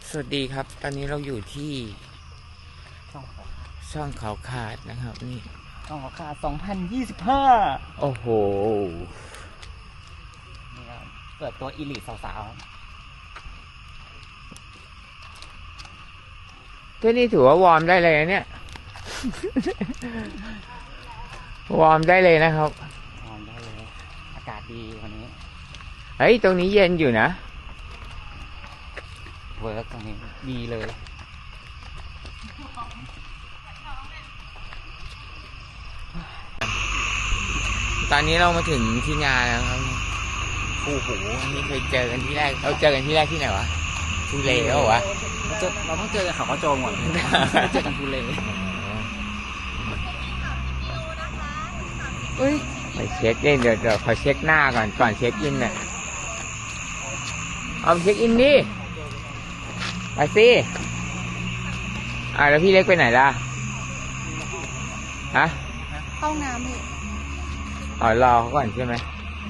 สวัสดีครับตอนนี้เราอยู่ที่ช่องเขาขาดนะครับนี่ช่องเขาขาด2025 โอ้โหนี่ครับเปิดตัวอีลิทสาวที่นี่ถือว่าวอร์มได้เลยนะเนี่ย วอร์มได้เลยนะครับนอนได้เลยอากาศดีวันนี้เฮ้ยตรงนี้เย็นอยู่นะเวิร์กตรงนี้ดีเลยตอนนี้เรามาถึงที่งานแล้วครับโอ้โหนี่เคยเจอกันที่แรกเราเจอกันที่แรกที่ไหนวะทูเลเหรอวะเราต้องเจอเขาโจมก่อนเจอกันทูเลไปเช็คเดี๋ยวขอเช็คหน้าก่อนเช็คอินน่ะเอาเช็คอินดิไปสิแล้วพี่เล็กไปไหนล่ะฮะเข้าน้ำพี่รอเขาก่อนใช่ไหม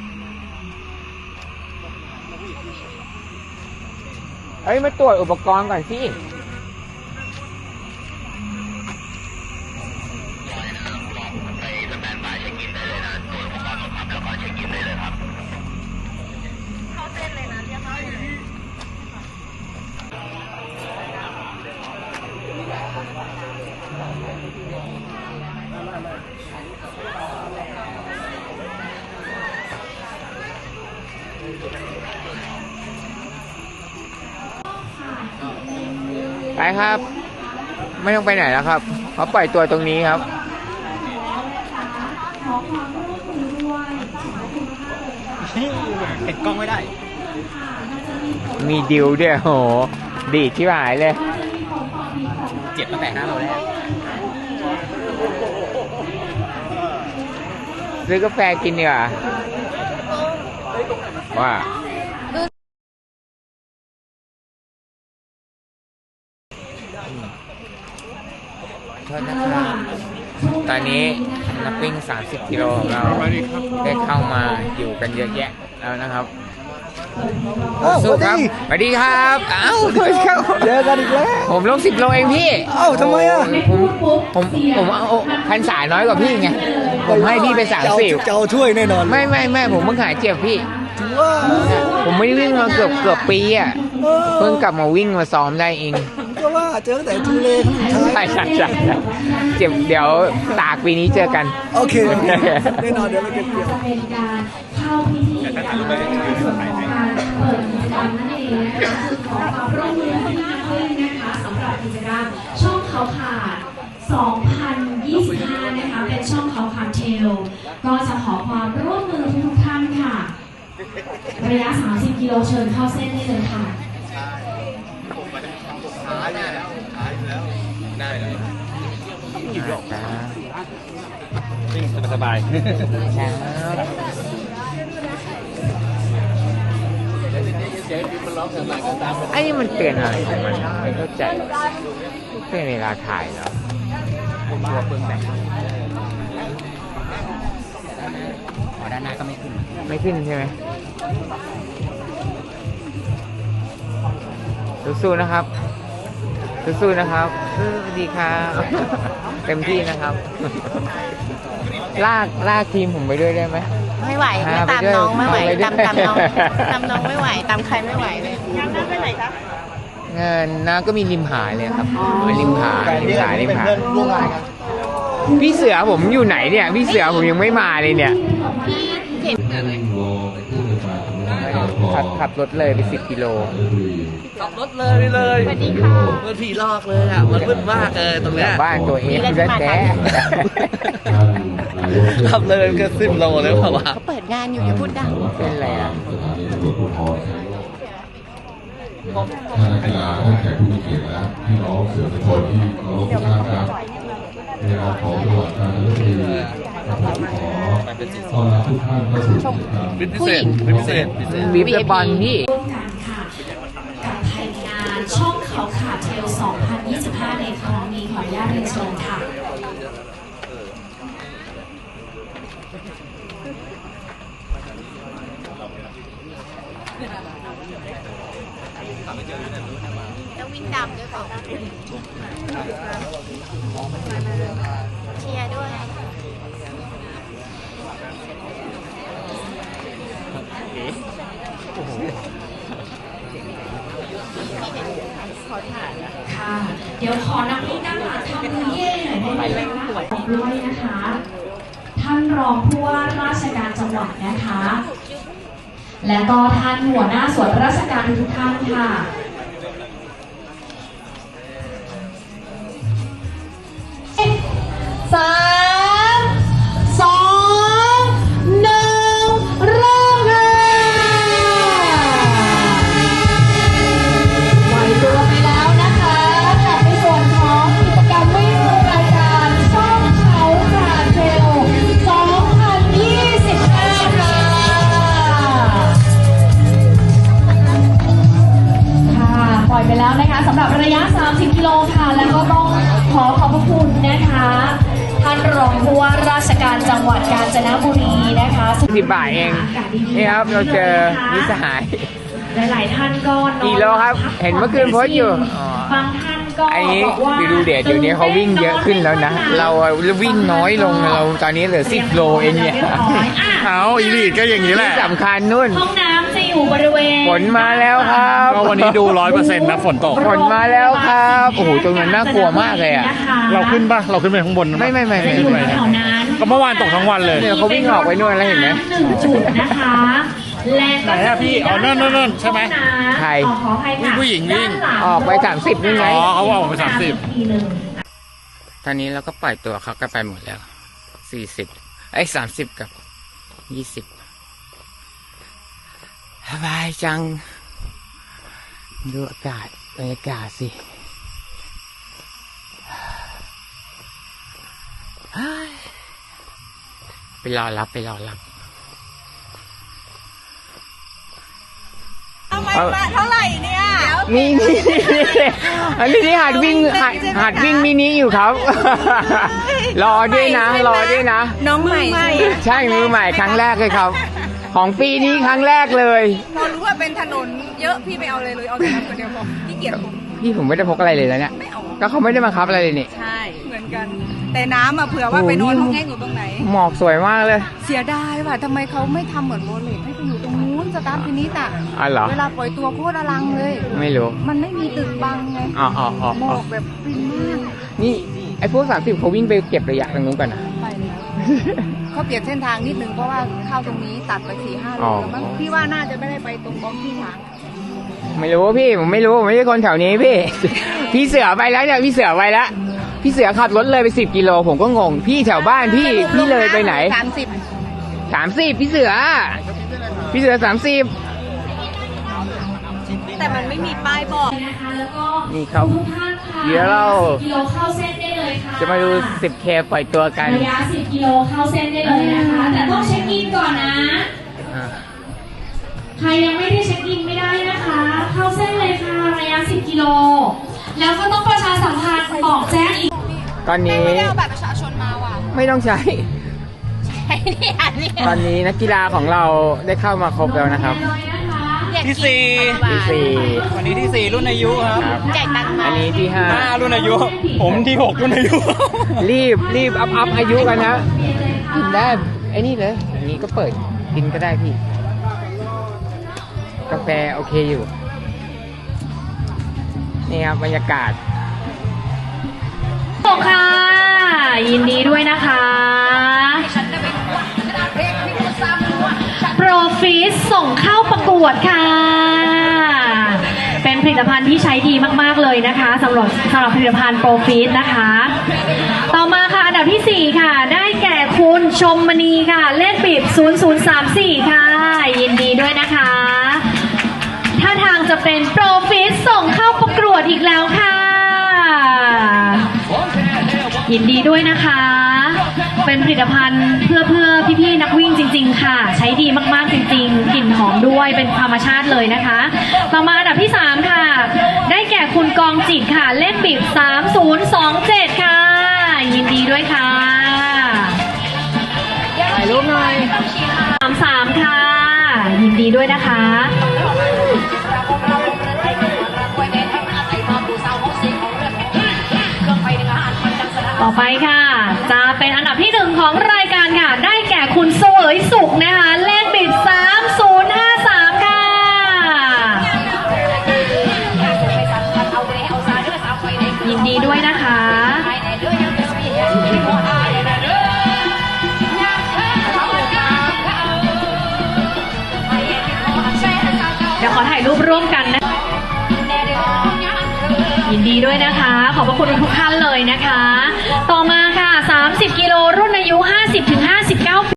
เฮ้ยมาตรวจอุปกรณ์ก่อนสิไปครับไม่ต้องไปไหนแล้วครับเขาปล่อยตัวตรงนี้ครับเห็นกล้องไม่ได้มีดิวด้วยโหดีดที่หายเลยเจ็บตั้งแต่5 โลแรกซื้อกาแฟกินดีกว่าว่าโทษนะครับตอนนี้นักวิ่ง30 กิโลของเราได้เข้ามาอยู่กันเยอะแยะแล้วนะครับสู้ครับสวัสดีครับเจอกันอีกแล้วผมลง10 โลเองพี่ทำไมอ่ะผมเอาพรรษาน้อยกว่าพี่ไงผมให้พี่ไป30 เจ้าถ้วยแน่นอนไม่ผมเพิ่งหายเจ็บพี่ผมไม่ได้วิ่งมาเกือบปีอ่ะเพิ่งกลับมาวิ่งมาซ้อมได้เองก็ว่าเจอแต่ทูเลใช่เจ็บเดี๋ยวตากปีนี้เจอกันโอเคแน่นอนเดี๋ยวเราเก็บเกี่ยวเป็นการเข้าพิธีการเปิดกิจกรรมนั่นเองนะคะคือขอความร่วมมือมากเลยนะคะสำหรับกิจกรรมช่องเขาขาด2025นะคะเป็นช่องเขาขาดเทลก็จะขอความร่วมมือทุกท่านค่ะระยะ30 กิโลเชิญเข้าเส้นได้เลยค่ะได้เลยกี่รอบวิ่งสบายไอ้นี่มันเตือนอะไรของมันไม่เข้าใจเป็นเวลาถ่ายเหรอตัวเปลืองแบตด้านหน้าก็ไม่ขึ้นใช่ไหมสู้ๆนะครับสู้ๆนะครับดีครับเต็มที่นะครับลากทีมผมไปด้วยได้ไหมไม่ไหวไม่ตามน้องไม่ไหวตามน้องไม่ไหวตามใครไม่ไหวเลยงานนั้นไปไหนคะงานน้าก็มีริมหาเลยครับริมหาพี่เสือผมอยู่ไหนเนี่ยพี่เสือผมยังไม่มาเลยเนี่ยขับรถเลยไป10 กิโลขับรถเลยสวัสดีค่ะมันผีลอกเลยอ่ะมันมืดมากตรงเนี้ยบ้านตัวเองแท้ขับเลยก็10 โลเลยเปล่าวะเขาเปิดงานอยู่อย่าพูดดังเป็นไรอ่ะท่านนักกีฬาท่านแขกผู้มีเกียรติและพี่น้องสื่อมวลชนที่เคารพทุกท่านครับในนามของจังหวัดกาญจนบุรีขอต้อนรับทุกท่านเข้าสู่กิจกรรมพิเศษวิบปอนพี่ร่วมกันค่ะกับไทยงานช่องเขาขาดเทล2025ในครั้งนี้ขออนุญาตเรียนเชิญค่ะต้องวิ่งดำด้วยเปล่าเชียร์ด้วยค่ะเดี๋ยวขอนักวิ่งด้านหลังทำมือเย่หน่อยได้ไหมคะด้วยนะคะ ท่านรองผู้ว่าราชการจังหวัดนะคะ และก็ท่านหัวหน้าส่วนราชการทุกท่านค่ะ3 2 1เริ่มค่ะปล่อยตัวไปแล้วนะคะกับในส่วนของกิจกรรมวิ่งรายการช่องเขากราดเทรล2025 ค่ะปล่อยไปแล้วนะคะสำหรับระยะ 30 กิโลค่ะ แล้วก็ต้องขอบพระคุณนะคะท่านรองผู้ว่าราชการจังหวัดกาญจนบุรีนะคะ 10 บาทเองนี่ครับเราเจอมิตรสหายหลายๆท่านก็กี่โลครับเห็นเมื่อคืนโพสต์อยู่บางท่านก็ไอ้นี้บอกว่าดูเดี๋ยวนี้เขาวิ่งเยอะขึ้นแล้วนะ เราวิ่งน้อยลงเราตอนนี้เหลือ10 โลเองเนี่ยเอาอีลีดก็อย่างนี้แหละที่สำคัญนู่นห้องน้ำจะอยู่บริเวณฝนมาแล้วครับก็วันนี้ดู 100% นะฝนตกฝนมาแล้วครับโอ้โหตรงนั้นน่ากลัวมากเลยอ่ะเราขึ้นปะเราขึ้นไปข้างบนนะไม่จะอยู่แถวนั้นก็เมื่อวานตกทั้งวันเลยเนี่ยเขาวิ่งออกไปนู่นแล้วเห็นไหม 1 จุดนะคะและก็ไหนอะพี่อ๋อนั่นใช่ไหมใครขออภัยค่ะผู้หญิงวิ่งด้านลัออกไป30นี่ไงอ๋อเขาว่าออกไป30 ทีหนึ่งตอนนี้เราก็ปล่อยตัวเขาก็ไปหมดแล้ว4030 กับ 20สบายจังดูอากาศบรรยากาศสิไปรอรับทำไมมาเท่าไหร่เนี่ยนี่อันนี้ที่หัดวิ่งมินิอยู่ครับ รอด้วยนะน้องใหม่ใช่มือใหม่ครั้งแรกเลยครับ ของปีนี้ครั้งแรกเลยพอรู้ว่าเป็นถนนเยอะพี่ไม่เอาเลยเอาแต่น้ำคนเดียวพอพี่เกียจผมพี่ผมไม่ได้พกอะไรเลยแล้วเนี่ยไม่เอาก็เขาไม่ได้บังคับอะไรเลยนี่ใช่เหมือนกัน แต่น้ำอะเผื่อว่าไปนอนห้องแห้งอยู่ตรงไหนหมอกสวยมากเลยเสียดายว่ะทำไมเขาไม่ทำเหมือนโบเลตให้ไปอยู่ตรงนู้นสตาร์ทฟินิชอะอ๋อเหรอเวลาปล่อยตัวโคตรอลังเลยไม่รู้มันไม่มีตึกบังไงอ๋อหมอกแบบฟินมากนี่ไอ้พวก30เขาวิ่งไปเก็บระยะตรงนู้นก่อนนะไปแล้วเขาเปลี่ยนเส้นทางนิดนึงเพราะว่าเข้าตรงนี้ตัดไป4-5 โลแล้วมั้งพี่ว่าน่าจะไม่ได้ไปตรงบล็อกที่ทางไม่รู้พี่ผมไม่รู้ผมไม่ใช่คนแถวนี้พี่ พี่เสือไปแล้วเนี่ยพี่เสือไปแล้วพี่เสือขับรถเลยไป10 กิโลผมก็งงพี่แถวบ้านพี่เลยไปไหน 30พี่เสือ30 แต่มันไม่มีป้ายบอกนะคะแล้วก็นี่ครับทุกท่านค่ะเดี๋ยวเรากิโลเข้าเส้นได้เลยค่ะจะมาดู 10K ปล่อยตัวกันระยะ10 กิโลเข้าเส้นได้เลยนะคะ แต่ต้องเช็คอินก่อนนะ ใครยังไม่ได้เช็คอินไม่ได้นะคะ เข้าเส้นเลยค่ะระยะ10 กิโล แล้วก็ต้องประชาสัมพันธ์บอกแจ้งอีกตอนนี้ไม่ได้เอาบัตรประชาชนมาว่ะไม่ต้องใช้ไอ้เนี่ยตอนนี้นักกีฬาของเราได้เข้ามาครบแล้วนะครับที่ที่ 4วันนี้ที่ 4 รุ่นอายุครับ 4ครับแจกตังค์มาอันนี้ที่ 5 รุ่นอายุ ผมที่ 6 รุ่นอายุ 5รีบอัพอายุกันนะกินได้ไอ้นี่เลยอันนี้ก็เปิดกินก็ได้พี่ กาแฟโอเคอยู่ นี่ครับบรรยากาศส่งค่ะ ยินดีด้วยนะคะโปรฟิสส่งเข้าประกวดค่ะ เป็นผลิตภัณฑ์ที่ใช้ดีมากๆเลยนะคะสำหรับผลิตภัณฑ์โปรฟิสนะคะ ต่อมาค่ะอันดับที่ 4 ค่ะ ได้แก่คุณชมมณีค่ะ เลขปิด0034 ค่ะ ยินดีด้วยนะคะท่าทางจะเป็นโปรฟิสส่งเข้าประกวดอีกแล้วค่ะ ยินดีด้วยนะคะ เป็นผลิตภัณฑ์เพื่อพี่ๆนักวิ่งจริงๆค่ะ ใช้ดีมากๆจริงๆกลิ่นหอมด้วยเป็นธรรมชาติเลยนะคะ ต่อมาอันดับที่ 3 ค่ะ ได้แก่คุณกองจิตค่ะ เลขปิด3027 ค่ะ ยินดีด้วยค่ะถ่ายรูปหน่อย 33 ค่ะ ยินดีด้วยนะคะอไปค่ะ จะเป็นอันดับที่ 1 ของรายการค่ะ ได้แก่คุณเสวยสุขนะคะ เลขบิด 3053 ค่ะ ยินดีด้วยนะคะ เดี๋ยวขอถ่ายรูปร่วมกันนะ ยินดีด้วยนะคะ ขอบพระคุณทุกท่านเลยนะคะ ต่อมาค่ะ 30 กิโลรุ่นอายุ 50-59 ปี